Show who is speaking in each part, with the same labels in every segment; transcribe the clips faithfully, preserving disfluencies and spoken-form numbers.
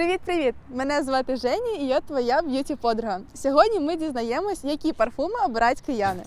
Speaker 1: Привіт-привіт! Мене звати Женя і я твоя б'юті-подруга. Сьогодні ми дізнаємось, які парфуми обирають кияни.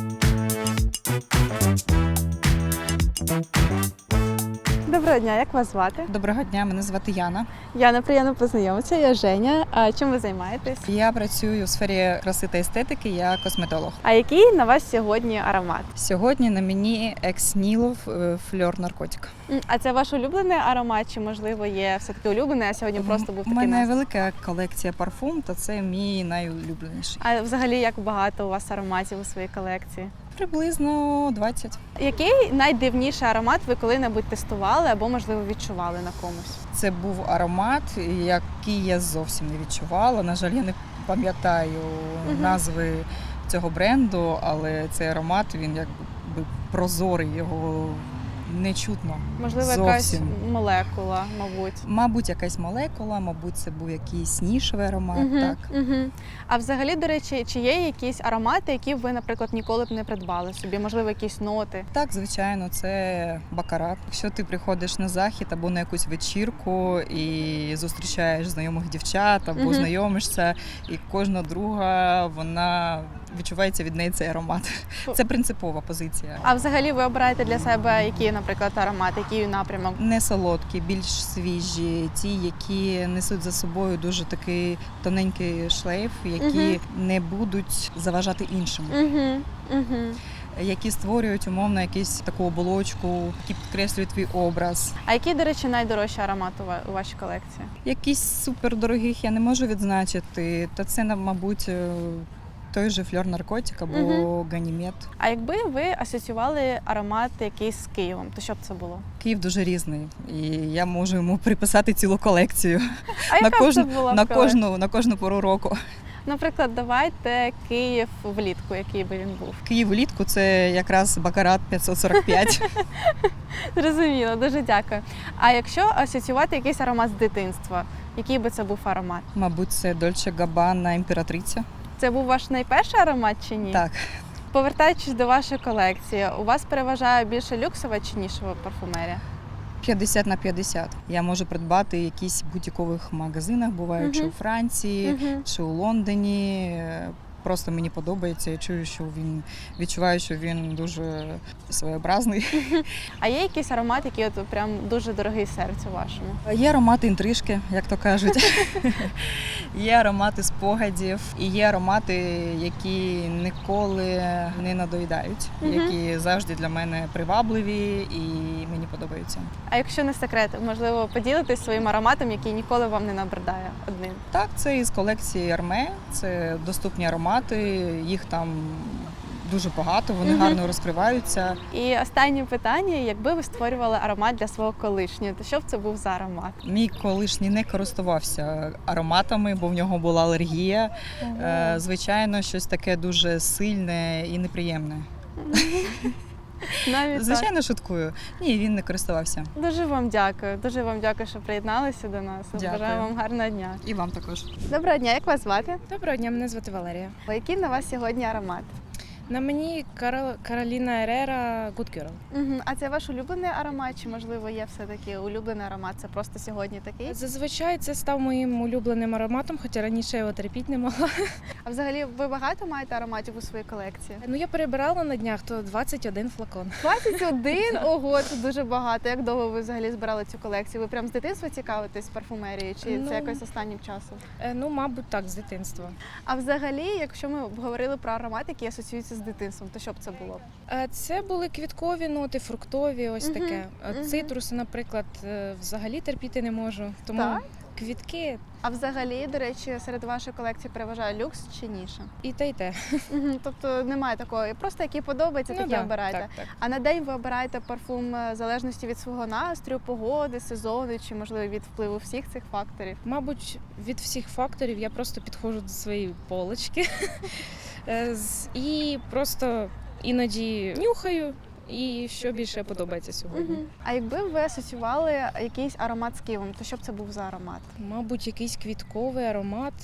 Speaker 1: Доброго дня, як вас звати?
Speaker 2: Доброго дня, мене звати Яна.
Speaker 1: Яна, приємно познайомитися, я Женя. А чим ви займаєтесь?
Speaker 2: Я працюю у сфері краси та естетики, я косметолог.
Speaker 1: А який на вас сьогодні аромат?
Speaker 2: Сьогодні на мені екс-нілов фльор наркотик.
Speaker 1: А це ваш улюблений аромат, чи можливо є все-таки улюблений, а сьогодні просто був
Speaker 2: У
Speaker 1: такий
Speaker 2: мене
Speaker 1: настрій?
Speaker 2: велика колекція парфум, та це мій найулюбленіший.
Speaker 1: А взагалі як багато у вас ароматів у своїй колекції?
Speaker 2: Приблизно двадцять.
Speaker 1: Який найдивніший аромат ви коли-небудь тестували або, можливо, відчували на комусь?
Speaker 2: Це був аромат, який я зовсім не відчувала. На жаль, я не пам'ятаю
Speaker 1: Мгм.
Speaker 2: назви цього бренду, але цей аромат, він якби прозорий, його не чутно.
Speaker 1: Можливо, якась
Speaker 2: Зовсім.
Speaker 1: молекула, мабуть.
Speaker 2: Мабуть, якась молекула, мабуть, це був якийсь нішевий аромат,
Speaker 1: Мгм,
Speaker 2: так.
Speaker 1: мгм. А взагалі, до речі, чи є якісь аромати, які ви, наприклад, ніколи б не придбали собі? Можливо, якісь ноти?
Speaker 2: Так, звичайно, це бакарат. Якщо ти приходиш на захід або на якусь вечірку і зустрічаєш знайомих дівчат або
Speaker 1: Мгм.
Speaker 2: знайомишся, і кожна друга, вона відчувається від неї цей аромат. Це принципова позиція.
Speaker 1: А взагалі ви обираєте для себе які, наприклад, аромат, який напрямок?
Speaker 2: Не солодкі, більш свіжі, ті, які несуть за собою дуже такий тоненький шлейф, які не будуть заважати іншим.
Speaker 1: Угу, угу.
Speaker 2: Які створюють умовно якусь таку оболочку, які підкреслюють твій образ.
Speaker 1: А який, до речі, найдорожчий аромат у ва- у вашій колекції?
Speaker 2: Якісь супердорогих я не можу відзначити, та це, мабуть, той же фльор наркотик або
Speaker 1: Мгм.
Speaker 2: ганімед.
Speaker 1: А якби ви асоціювали аромат якийсь з Києвом, то що б це було?
Speaker 2: Київ дуже різний, і я можу йому приписати цілу колекцію
Speaker 1: А
Speaker 2: на
Speaker 1: яка б
Speaker 2: кожну,
Speaker 1: це була
Speaker 2: на
Speaker 1: б колекція?
Speaker 2: кожну, на кожну пору року.
Speaker 1: Наприклад, давайте Київ влітку, який би він був.
Speaker 2: Київ влітку це якраз бакарат п'ятсот сорок п'ять.
Speaker 1: Зрозуміло, дуже дякую. А якщо асоціювати якийсь аромат з дитинства, який би це був аромат?
Speaker 2: Мабуть, це Дольче Габбана імператриця.
Speaker 1: Це був ваш найперший аромат чи ні?
Speaker 2: Так.
Speaker 1: Повертаючись до вашої колекції, у вас переважає більше люксова чи нішова парфумерія?
Speaker 2: п'ятдесят на п'ятдесят. Я можу придбати в якісь бутікових магазинах, буває, чи
Speaker 1: Мгм.
Speaker 2: у Франції,
Speaker 1: Мгм.
Speaker 2: чи у Лондоні. Просто мені подобається, я чую, що він відчуваю, що він дуже своєобразний.
Speaker 1: А є якийсь аромат, який от прям дуже дорогий серцю вашому?
Speaker 2: Є аромати інтрижки, як то кажуть. Є аромати спогадів, і є аромати, які ніколи не надоїдають,
Speaker 1: Мгм.
Speaker 2: які завжди для мене привабливі і мені подобаються.
Speaker 1: А якщо не секрет, можливо, поділитись своїм ароматом, який ніколи вам не набридає одним?
Speaker 2: Так, це із колекції Арме, це доступні аромати, їх там дуже багато, вони
Speaker 1: Мгм.
Speaker 2: гарно розкриваються.
Speaker 1: І останнє питання: якби ви створювали аромат для свого колишнього, то що б це був за аромат?
Speaker 2: Мій колишній не користувався ароматами, бо в нього була алергія. Е, Звичайно, щось таке дуже сильне і неприємне.
Speaker 1: Навіть так.
Speaker 2: Звичайно, шуткую. Ні, він не користувався.
Speaker 1: Дуже вам дякую. Дуже вам дякую, що приєдналися до нас.
Speaker 2: Дякую.
Speaker 1: Бажаю вам гарного дня.
Speaker 2: І вам також.
Speaker 1: Доброго дня, як вас звати?
Speaker 3: Доброго дня, мене звати Валерія.
Speaker 1: Який на вас сьогодні аромат?
Speaker 3: На мені Карол... Кароліна Ерера Good Girl.
Speaker 1: Угу. А це ваш улюблений аромат, чи можливо є все-таки улюблений аромат? Це просто сьогодні такий?
Speaker 3: Зазвичай це став моїм улюбленим ароматом, хоча раніше я його терпіти не могла.
Speaker 1: А взагалі ви багато маєте ароматів у своїй колекції?
Speaker 3: Ну я перебирала на днях, то двадцять один флакон.
Speaker 1: двадцять один? Ого, це дуже багато. Як довго ви взагалі збирали цю колекцію? Ви прям з дитинства цікавитесь парфумерією, чи
Speaker 3: Ну,
Speaker 1: це якось останнім часом?
Speaker 3: Е, Ну, мабуть, так, з дитинства.
Speaker 1: А взагалі, якщо ми говорили про аромати, які асоціюються з дитинством, то що б це було?
Speaker 3: Е, Це були квіткові ноти, фруктові, ось
Speaker 1: Мгм,
Speaker 3: таке. Е,
Speaker 1: мгм.
Speaker 3: Цитруси, наприклад, е, взагалі терпіти не можу. Тому
Speaker 1: Так?
Speaker 3: квітки
Speaker 1: А взагалі, до речі, серед вашої колекції переважає люкс чи ніша?
Speaker 3: і те, і те.
Speaker 1: Угу. Тобто немає такого, просто які подобаються, такі
Speaker 3: да,
Speaker 1: обираєте.
Speaker 3: так, так.
Speaker 1: А на день ви обираєте парфум е, в залежності від свого настрою, погоди, сезону, чи можливо від впливу всіх цих факторів?
Speaker 3: Мабуть, від всіх факторів я просто підходжу до своєї полочки Е, з- і просто іноді нюхаю, і що більше подобається сьогодні.
Speaker 1: Угу. А якби ви асоціювали якийсь аромат з Києвом, то що б це був за аромат?
Speaker 3: Мабуть, якийсь квітковий аромат.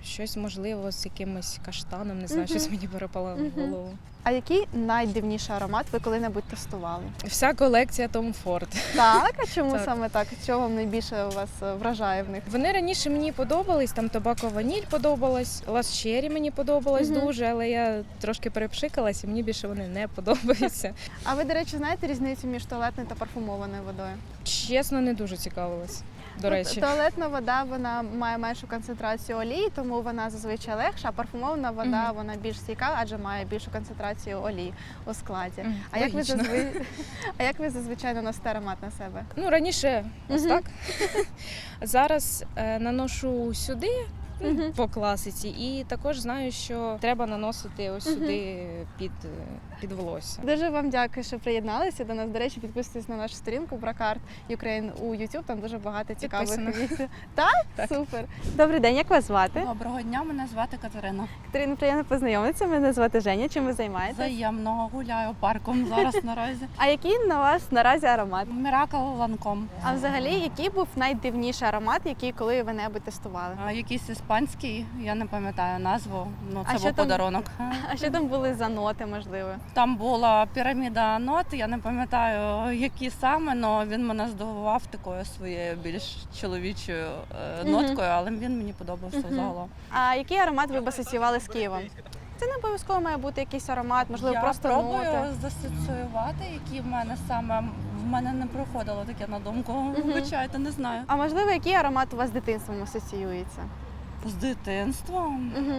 Speaker 3: щось можливо з якимось каштаном, не знаю,
Speaker 1: Мгм.
Speaker 3: щось мені перепало в
Speaker 1: Мгм.
Speaker 3: голову.
Speaker 1: А який найдивніший аромат ви коли-небудь тестували?
Speaker 3: Вся колекція Tom Ford.
Speaker 1: Так, а чому
Speaker 3: Так.
Speaker 1: саме так? Що вам найбільше вас е, вражає в них?
Speaker 3: Вони раніше мені подобались, там Тобако Ваніль подобалась, Лас Черрі мені подобалась
Speaker 1: Мгм.
Speaker 3: дуже, але я трошки перепшикалась і мені більше вони не подобаються.
Speaker 1: А ви, до речі, знаєте різницю між туалетною та парфумованою водою?
Speaker 3: Чесно, не дуже цікавилась, до речі.
Speaker 1: От, туалетна вода вона має меншу концентрацію олії, тому вона зазвичай легша, а парфумована вода
Speaker 3: Мгм.
Speaker 1: вона більш стійка, адже має більшу концентрацію олії у складі.
Speaker 3: Мгм,
Speaker 1: А як ви
Speaker 3: логічно.
Speaker 1: зазви... а як ви зазвичай наносите аромат на себе?
Speaker 3: Ну, раніше ось
Speaker 1: Мгм.
Speaker 3: так. Зараз е, наношу сюди, ну,
Speaker 1: Мгм.
Speaker 3: по класиці, і також знаю, що треба наносити ось
Speaker 1: Мгм.
Speaker 3: сюди під, е, під волосся.
Speaker 1: Дуже вам дякую, що приєдналися до нас. До речі, підписуйтесь на нашу сторінку Бракарт Ukraine у YouTube. Там дуже багато цікавих
Speaker 3: Підписана.
Speaker 1: відео. Так?
Speaker 3: Так.
Speaker 1: Супер. Добрий день, як вас звати?
Speaker 4: Доброго дня, мене звати Катерина.
Speaker 1: Катерина, приємно познайомитися. Мене звати Женя. Чим ви займаєтесь?
Speaker 4: Взаємно гуляю парком зараз наразі.
Speaker 1: А який на вас наразі аромат?
Speaker 4: Міракл ланком.
Speaker 1: А взагалі, який був найдивніший аромат, який коли ви небудь тестували?
Speaker 4: А, Якийсь іспанський, я не пам'ятаю назву. Ну
Speaker 1: А
Speaker 4: це
Speaker 1: що
Speaker 4: був
Speaker 1: там?
Speaker 4: подарунок.
Speaker 1: А що там були за ноти, можливо?
Speaker 4: Там була піраміда нот. Я не пам'ятаю, які саме, але він мене здивував такою своєю більш чоловічою е,
Speaker 1: Мгм.
Speaker 4: ноткою, але він мені подобався
Speaker 1: Мгм.
Speaker 4: загалом.
Speaker 1: А який аромат ви б асоціювали з Києвом? Це не обов'язково має бути якийсь аромат, можливо,
Speaker 4: я
Speaker 1: просто
Speaker 4: пробую
Speaker 1: ноти.
Speaker 4: засоціювати, які в мене саме в мене не проходило таке на думку. Вибачайте, не знаю.
Speaker 1: А можливо, який аромат у вас з дитинством асоціюється?
Speaker 4: З дитинством.
Speaker 1: Угу.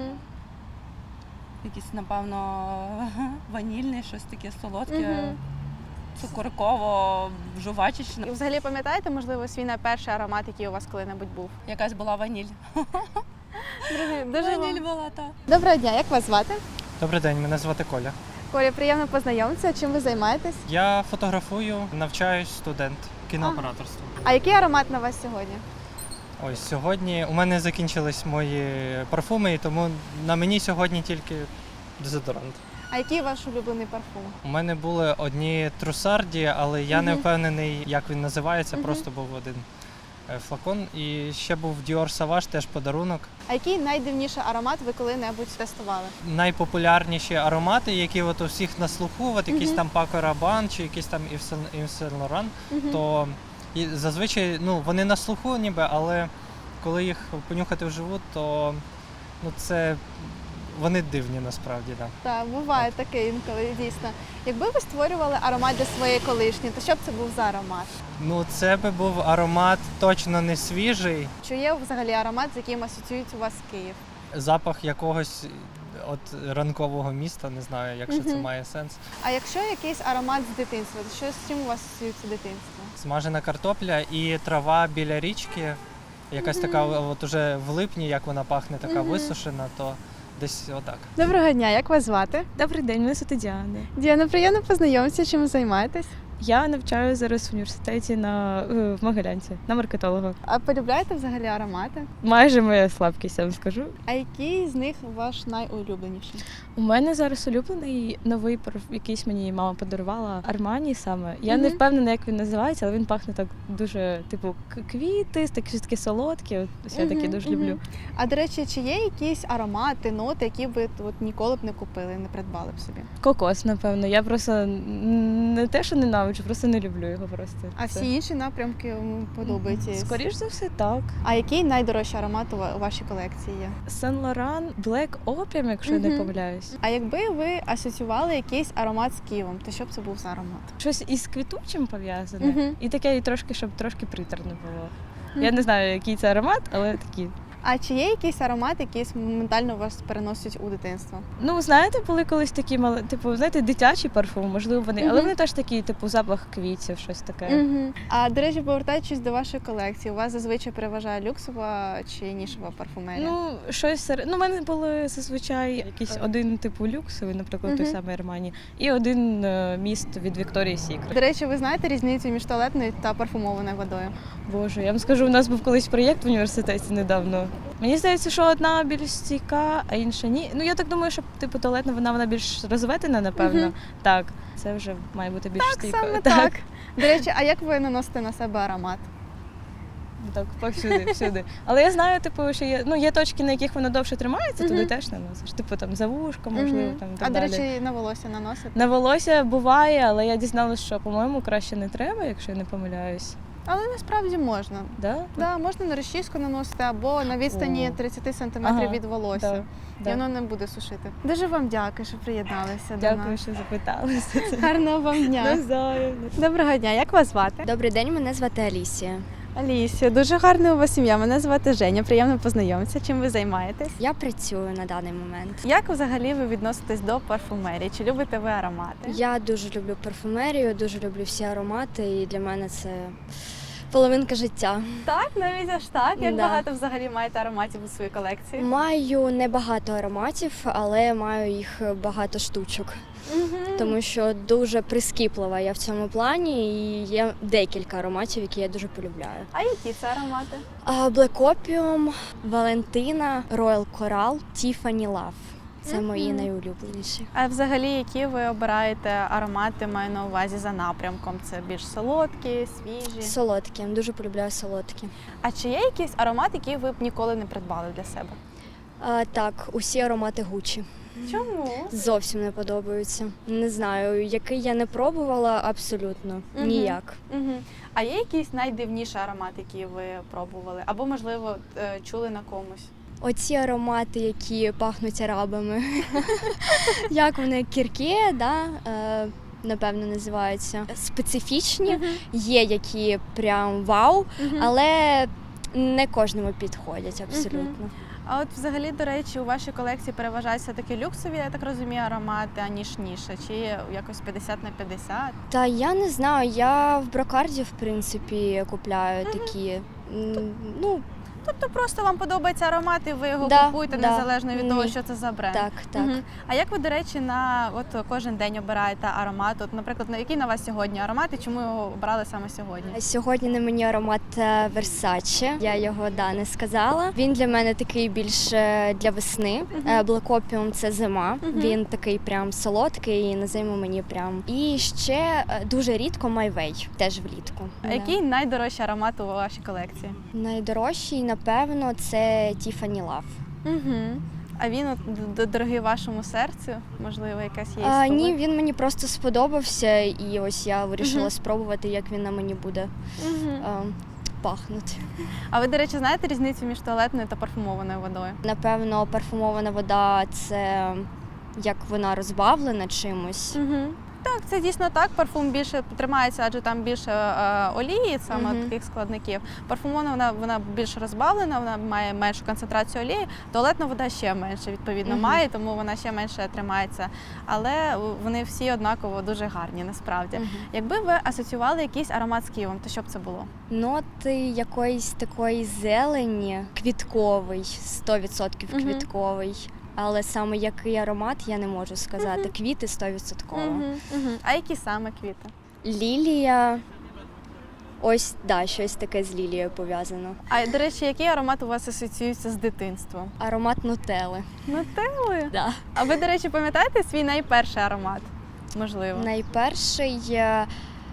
Speaker 4: Якийсь, напевно, ванільний, щось таке солодке,
Speaker 1: Мгм.
Speaker 4: цукорково, жувачечне.
Speaker 1: І взагалі пам'ятаєте, можливо, свій найперший аромат, який у вас коли-небудь був?
Speaker 4: Якась була ваніль.
Speaker 1: Друзі, дуже
Speaker 4: Ваніль
Speaker 1: вам...
Speaker 4: була, так.
Speaker 1: Доброго дня, як вас звати?
Speaker 5: Добрий день, мене звати Коля.
Speaker 1: Коля, приємно познайомитися. Чим ви займаєтесь?
Speaker 5: Я фотографую, навчаюсь студент кінооператорства.
Speaker 1: А який аромат на вас сьогодні?
Speaker 5: Ось сьогодні у мене закінчились мої парфуми, і тому на мені сьогодні тільки дезодорант.
Speaker 1: А який ваш улюблений парфум?
Speaker 5: У мене були одні трусарді, але я не
Speaker 1: Мгм.
Speaker 5: впевнений, як він називається,
Speaker 1: Мгм.
Speaker 5: просто був один е, флакон. І ще був Dior Sauvage, теж подарунок.
Speaker 1: А який найдивніший аромат ви коли-небудь тестували?
Speaker 5: Найпопулярніші аромати, які от у всіх на слуху, от якийсь
Speaker 1: Мгм.
Speaker 5: там Paco Rabanne чи якийсь там Yves Saint Laurent,
Speaker 1: Мгм.
Speaker 5: то і зазвичай ну, вони на слуху ніби, але коли їх понюхати вживу, то ну, це вони дивні насправді. Да.
Speaker 1: Так, буває таке інколи, дійсно. Якби ви створювали аромат для своєї колишньої, то що б це був за аромат?
Speaker 5: Ну, це би був аромат точно не свіжий,
Speaker 1: Чи є взагалі аромат, з яким асоціюється у вас Київ?
Speaker 5: запах якогось от ранкового міста, не знаю, якщо це
Speaker 1: Мгм.
Speaker 5: має сенс.
Speaker 1: А якщо якийсь аромат з дитинства, то що з чим у вас асоціюється дитинство?
Speaker 5: Смажена картопля і трава біля річки, якась така от уже в липні, як вона пахне, така
Speaker 1: Мгм.
Speaker 5: висушена, то десь отак.
Speaker 1: Доброго дня, як вас звати?
Speaker 6: Добрий день, мене звати Діана.
Speaker 1: Діана, приємно познайомитися, чим ви займаєтесь.
Speaker 6: Я навчаю зараз в університеті на е, в Могилянці на маркетолога.
Speaker 1: А полюбляєте взагалі аромати?
Speaker 6: Майже моя слабкість, я вам скажу.
Speaker 1: А який з них ваш найулюбленіший?
Speaker 6: У мене зараз улюблений новий парф, якийсь мені мама подарувала Армані саме. Я не
Speaker 1: Мгм.
Speaker 6: впевнена, як він називається, але він пахне так дуже, типу, к- квіти, такі щось таке солодкі. От ось я такі
Speaker 1: Мгм,
Speaker 6: дуже
Speaker 1: мгм.
Speaker 6: люблю.
Speaker 1: А до речі, чи є якісь аромати, ноти, які ви от ніколи б не купили, не придбали б собі?
Speaker 6: Кокос, напевно. Я просто н- не те, що ненавиджу, просто не люблю його просто.
Speaker 1: А
Speaker 6: Це.
Speaker 1: всі інші напрямки вам подобаються?
Speaker 6: Скоріш за все, так.
Speaker 1: А який найдорожчий аромат у ва- у вашій колекції є?
Speaker 6: Сен Лоран Black Opium, якщо я не
Speaker 1: Мгм.
Speaker 6: помиляюсь.
Speaker 1: А якби ви асоціювали якийсь аромат з Києвом, то що б це був за аромат?
Speaker 6: Щось із квітучим пов'язане.
Speaker 1: Мгм.
Speaker 6: І таке, і трошки, щоб трошки приторне було. Я не знаю, який це аромат, але такі.
Speaker 1: А чи є якийсь аромат, який моментально вас переносить у дитинство?
Speaker 6: Ну, знаєте, були колись такі мали, типу, знаєте, дитячі парфуми, можливо, вони, але
Speaker 1: Мгм.
Speaker 6: вони теж такі, типу, запах квітів, щось таке.
Speaker 1: Угу. А до речі, повертаючись до вашої колекції, у вас зазвичай переважає люксова чи нішова парфумерія?
Speaker 6: Ну, щось серед. Ну, в мене були зазвичай якийсь один типу люксовий, наприклад, той
Speaker 1: Мгм.
Speaker 6: самий Армані, і один е, міст від Вікторії Сікрет.
Speaker 1: До речі, ви знаєте різницю між туалетною та парфумованою водою?
Speaker 6: Боже, я вам скажу, у нас був колись проєкт в університеті недавно. Мені здається, що одна більш стійка, а інша ні. Ну я так думаю, що типу туалетна вона вона більш розведена, напевно.
Speaker 1: Мгм.
Speaker 6: Так, це вже має бути більш
Speaker 1: Так,
Speaker 6: стійко.
Speaker 1: саме так. До речі, а як ви наносите на себе аромат?
Speaker 6: так, повсюди, всюди. Але я знаю, типу, що є, ну, є точки, на яких воно довше тримається, туди
Speaker 1: Мгм.
Speaker 6: теж наносиш. Типу там за вушко, можливо,
Speaker 1: Мгм.
Speaker 6: там і
Speaker 1: А,
Speaker 6: так
Speaker 1: до
Speaker 6: далі.
Speaker 1: речі, на волосся наносите?
Speaker 6: На волосся буває, але я дізналася, що, по-моєму, краще не треба, якщо я не помиляюсь.
Speaker 1: Але насправді можна.
Speaker 6: Да?
Speaker 1: Да, можна на розчіску наносити або на відстані
Speaker 6: О.
Speaker 1: тридцять сантиметрів
Speaker 6: Ага,
Speaker 1: від волосся.
Speaker 6: Да,
Speaker 1: І
Speaker 6: да.
Speaker 1: воно не буде сушити. Дуже вам дякую, що приєдналися до
Speaker 6: Дякую,
Speaker 1: нас.
Speaker 6: що запиталися.
Speaker 1: Гарного вам дня.
Speaker 6: Навзаєм.
Speaker 1: Доброго дня, як вас звати?
Speaker 7: Добрий день, мене звати Алісія.
Speaker 1: Алісія, дуже гарна у вас ім'я. Мене звати Женя. Приємно познайомитися. Чим ви займаєтесь?
Speaker 7: Я працюю на даний момент.
Speaker 1: Як взагалі ви відноситесь до парфумерії? Чи любите ви аромати?
Speaker 7: Я дуже люблю парфумерію, дуже люблю всі аромати, і для мене це половинка життя.
Speaker 1: Так, навіть аж так. Як
Speaker 7: Да.
Speaker 1: багато взагалі маєте ароматів у своїй колекції?
Speaker 7: Маю небагато ароматів, але маю їх багато штучок,
Speaker 1: Мгм.
Speaker 7: тому що дуже прискіплива я в цьому плані, і є декілька ароматів, які я дуже полюбляю.
Speaker 1: А які це аромати?
Speaker 7: А, Black Opium, Valentina, Royal Coral, Tiffany Love. Це мої
Speaker 1: Мгм.
Speaker 7: найулюбленіші.
Speaker 1: А взагалі, які ви обираєте аромати, маю на увазі за напрямком? Це більш солодкі, свіжі?
Speaker 7: Солодкі, дуже полюбляю солодкі.
Speaker 1: А чи є якийсь аромат, який ви б ніколи не придбали для себе?
Speaker 7: А, так, усі аромати Гуччі.
Speaker 1: Чому?
Speaker 7: Зовсім не подобаються. Не знаю, який я не пробувала абсолютно
Speaker 1: Мгм.
Speaker 7: ніяк.
Speaker 1: Угу. А є якийсь найдивніший аромат, який ви пробували? Або, можливо, е, чули на комусь?
Speaker 7: Оці аромати, які пахнуть арабами. Як вони кірке, да? е, напевно, називаються. Специфічні. Є які прям вау,
Speaker 1: Мгм.
Speaker 7: але не кожному підходять абсолютно.
Speaker 1: А от взагалі, до речі, у вашій колекції переважають все-таки люксові, я так розумію, аромати, аніж ніша? Чи якось п'ятдесят на п'ятдесят?
Speaker 7: Та я не знаю, я в брокарді, в принципі, купляю такі. м, Ну,
Speaker 1: Тобто просто вам подобається аромат, і ви його
Speaker 7: Да,
Speaker 1: купуєте
Speaker 7: да.
Speaker 1: незалежно від того,
Speaker 7: Ні.
Speaker 1: що це за бренд?
Speaker 7: так, так.
Speaker 1: Мгм. А як ви, до речі, на от кожен день обираєте аромат? От, наприклад, на який на вас сьогодні аромат і чому його обрали саме сьогодні?
Speaker 7: Сьогодні на мені аромат е, Versace. Я його да не сказала. Він для мене такий більш е, для весни.
Speaker 1: Мгм.
Speaker 7: Е, Black Opium – це зима.
Speaker 1: Мгм.
Speaker 7: Він такий прям солодкий і на зиму мені прям. І ще е, дуже рідко My Way, теж влітку.
Speaker 1: А
Speaker 7: Да.
Speaker 1: який найдорожчий аромат у вашій колекції?
Speaker 7: Найдорожчий, напевно, це Tiffany Love.
Speaker 1: Угу. А він от д- дорогий вашому серцю? Можливо, якась є
Speaker 7: А,
Speaker 1: історія?
Speaker 7: ні, він мені просто сподобався, і ось я вирішила
Speaker 1: Мгм.
Speaker 7: спробувати, як він на мені буде
Speaker 1: Мгм.
Speaker 7: е, пахнути.
Speaker 1: А ви, до речі, знаєте різницю між туалетною та парфумованою водою?
Speaker 7: Напевно, парфумована вода це як вона розбавлена чимось.
Speaker 1: Угу. Так, це дійсно так. Парфум більше тримається, адже там більше е, олії, саме
Speaker 7: Мгм.
Speaker 1: таких складників. Парфумована вона, вона більш розбавлена, вона має меншу концентрацію олії. Туалетна вода ще менше відповідно
Speaker 7: Мгм.
Speaker 1: має, тому вона ще менше тримається. Але вони всі однаково дуже гарні, насправді.
Speaker 7: Мгм.
Speaker 1: Якби ви асоціювали якийсь аромат з Києвом, то що б це було?
Speaker 7: Ноти якоїсь такої зелені, квітковий, сто відсотків
Speaker 1: Мгм.
Speaker 7: квітковий. Але саме який аромат я не можу сказати. Квіти сто відсотків.
Speaker 1: Угу. Угу. А які саме квіти?
Speaker 7: Лілія. Ось, да, щось таке з лілією пов'язано.
Speaker 1: А до речі, який аромат у вас асоціюється з дитинством?
Speaker 7: Аромат нутели.
Speaker 1: Нутелли?
Speaker 7: Да.
Speaker 1: А ви, до речі, пам'ятаєте свій найперший аромат? Можливо.
Speaker 7: Найперший е,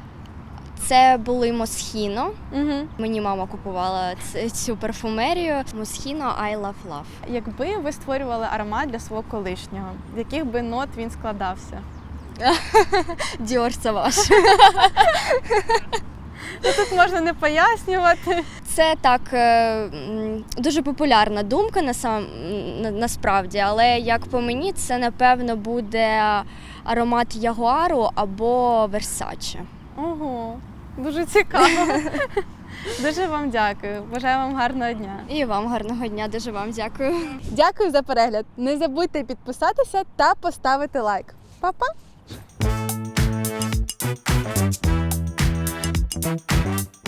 Speaker 7: це були Moschino.
Speaker 1: Угу.
Speaker 7: Мені мама купувала ц- цю парфумерію. Moschino I Love Love.
Speaker 1: Якби ви створювали аромат для свого колишнього, з яких би нот він складався?
Speaker 7: Dior Sauvage.
Speaker 1: Ну, тут можна не пояснювати.
Speaker 7: Це так е, м, дуже популярна думка на сам на, насправді, але як по мені, це напевно буде аромат Ягуару або Versace.
Speaker 1: Ого, дуже цікаво. Дуже вам дякую. Бажаю вам гарного дня.
Speaker 7: І вам гарного дня, дуже вам дякую.
Speaker 1: Дякую за перегляд. Не забудьте підписатися та поставити лайк. Па-па!
Speaker 8: Thank you.